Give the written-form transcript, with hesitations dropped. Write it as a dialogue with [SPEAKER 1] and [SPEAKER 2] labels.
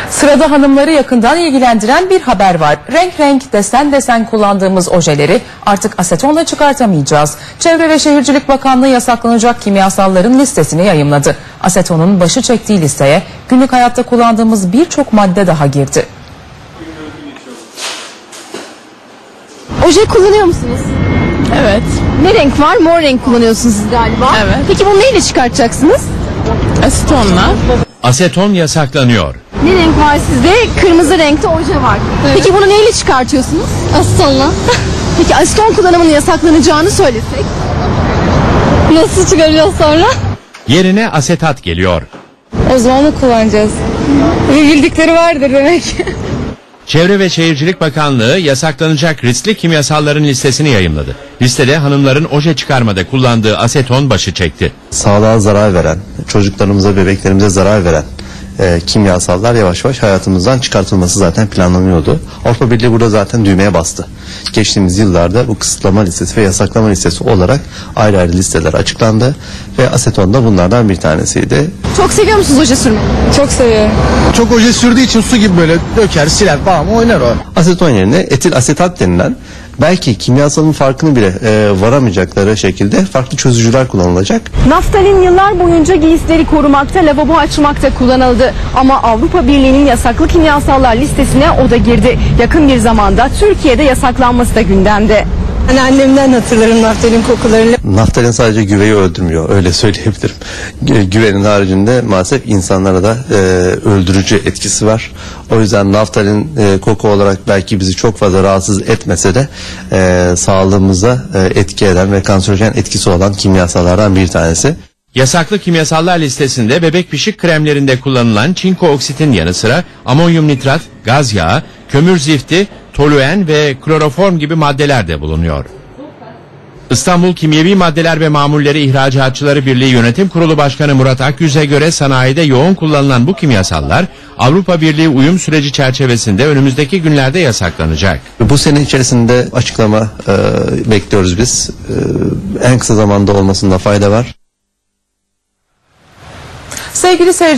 [SPEAKER 1] Sırada hanımları yakından ilgilendiren bir haber var. Renk renk, desen desen kullandığımız ojeleri artık asetonla çıkartamayacağız. Çevre ve Şehircilik Bakanlığı yasaklanacak kimyasalların listesini yayımladı. Asetonun başı çektiği listeye günlük hayatta kullandığımız birçok madde daha girdi.
[SPEAKER 2] Oje kullanıyor musunuz?
[SPEAKER 3] Evet.
[SPEAKER 2] Ne renk var? Mor renk kullanıyorsunuz siz galiba.
[SPEAKER 3] Evet.
[SPEAKER 2] Peki bunu neyle çıkartacaksınız?
[SPEAKER 3] Asetonla.
[SPEAKER 4] Aseton yasaklanıyor.
[SPEAKER 2] Ne renk var sizde? Kırmızı renkte oje var.
[SPEAKER 3] Evet.
[SPEAKER 2] Peki bunu neyle çıkartıyorsunuz?
[SPEAKER 3] Asetonla.
[SPEAKER 2] Peki aseton kullanımının yasaklanacağını söylesek?
[SPEAKER 3] Nasıl çıkaracağız sonra?
[SPEAKER 4] Yerine asetat geliyor.
[SPEAKER 3] O zaman onu kullanacağız. Bir bildikleri vardır demek.
[SPEAKER 4] Çevre ve Şehircilik Bakanlığı yasaklanacak riskli kimyasalların listesini yayımladı. Listede hanımların oje çıkarmada kullandığı aseton başı çekti.
[SPEAKER 5] Sağlığa zarar veren, çocuklarımıza, bebeklerimize zarar veren kimyasallar yavaş yavaş hayatımızdan çıkartılması zaten planlanıyordu. Avrupa Birliği burada zaten düğmeye bastı. Geçtiğimiz yıllarda bu kısıtlama listesi ve yasaklama listesi olarak ayrı ayrı listeler açıklandı ve aseton da bunlardan bir tanesiydi.
[SPEAKER 2] Çok seviyor musunuz oje sürmeyi?
[SPEAKER 3] Çok seviyorum.
[SPEAKER 6] Çok oje sürdüğü için su gibi böyle döker, siler falan oynar o.
[SPEAKER 5] Aseton yerine etil asetat denilen belki kimyasalın farkını bile varamayacakları şekilde farklı çözücüler kullanılacak.
[SPEAKER 2] Naftalin yıllar boyunca giysileri korumakta, lavabo açmakta kullanıldı. Ama Avrupa Birliği'nin yasaklı kimyasallar listesine o da girdi. Yakın bir zamanda Türkiye'de yasaklanması da gündemde.
[SPEAKER 3] Hani annemden hatırlarım naftalin kokularını.
[SPEAKER 5] Naftalin sadece güveyi öldürmüyor, öyle söyleyebilirim. Güvenin haricinde maalesef insanlara da öldürücü etkisi var. O yüzden naftalin koku olarak belki bizi çok fazla rahatsız etmese de sağlığımıza etki eden ve kanserojen etkisi olan kimyasallardan bir tanesi.
[SPEAKER 4] Yasaklı kimyasallar listesinde bebek pişik kremlerinde kullanılan çinko oksitin yanı sıra amonyum nitrat, gaz yağı, kömür zifti, toluen ve kloroform gibi maddeler de bulunuyor. İstanbul Kimyevi Maddeler ve Mamulleri İhracatçıları Birliği Yönetim Kurulu Başkanı Murat Akyüz'e göre sanayide yoğun kullanılan bu kimyasallar Avrupa Birliği uyum süreci çerçevesinde önümüzdeki günlerde yasaklanacak.
[SPEAKER 5] Bu sene içerisinde açıklama bekliyoruz biz. En kısa zamanda olmasında fayda var.
[SPEAKER 1] Sevgili seyirciler,